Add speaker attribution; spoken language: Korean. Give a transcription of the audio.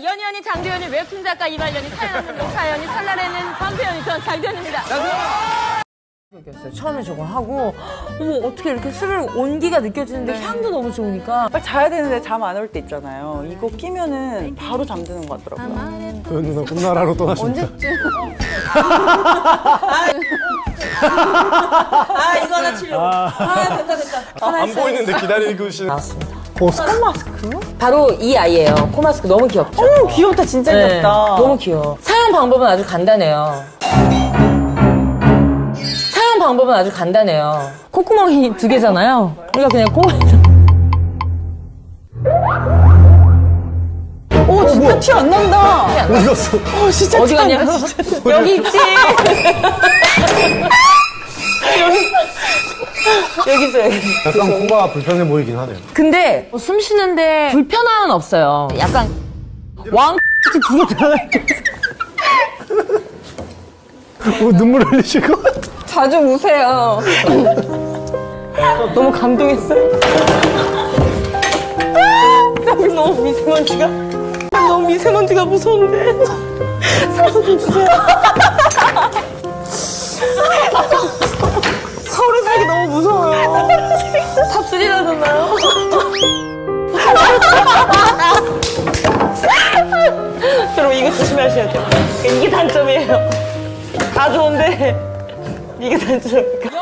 Speaker 1: 연희연이 장도연이 웹툰 작가 이말년이 사연 없는 녹사연이 설날에는 반표연이 전 장도연입니다.
Speaker 2: 처음에 저거 하고 어머 어떻게 이렇게 술 온기가 느껴지는데 향도 너무 좋으니까
Speaker 3: 빨리 자야 되는데 잠 안 올 때 있잖아요. 이거 끼면은 바로 잠드는 것 같더라고요.
Speaker 4: 도연 누나 꿈나라로 떠나십니다.
Speaker 2: 언제쯤? 이거 하나 치려고. 됐다.
Speaker 4: 안 보이는데 기다리고 계시는.
Speaker 2: 나왔습니다.
Speaker 3: 코마스크?
Speaker 2: 바로 이 아이예요. 코마스크 너무 귀엽죠?
Speaker 3: 귀엽다. 진짜
Speaker 2: 네,
Speaker 3: 귀엽다.
Speaker 2: 너무 귀여워. 사용 방법은 아주 간단해요. 콧구멍이 2개잖아요. 우리가 그냥 코에서.
Speaker 3: 오, 진짜 티 안 난다.
Speaker 4: 어디 갔어?
Speaker 3: 진짜
Speaker 2: 어디 갔냐? 여기 있지. 여기 있어, 여기.
Speaker 4: 약간 코가 불편해 보이긴 하네요.
Speaker 2: 근데 숨 쉬는데 불편함은 없어요. 약간 왕 두고 들어갈게.
Speaker 4: 눈물 흘리실 것 같아.
Speaker 2: 자주 우세요. 너무 감동했어요. 여기 너무 미세먼지가 무서운데. 사서 좀 주세요. 서울에 살기 너무 무서워요. 탑3라잖아요. 여러분 이거 조심하셔야 돼요. 이게 단점이에요. 다 좋은데 이게 단점이니까.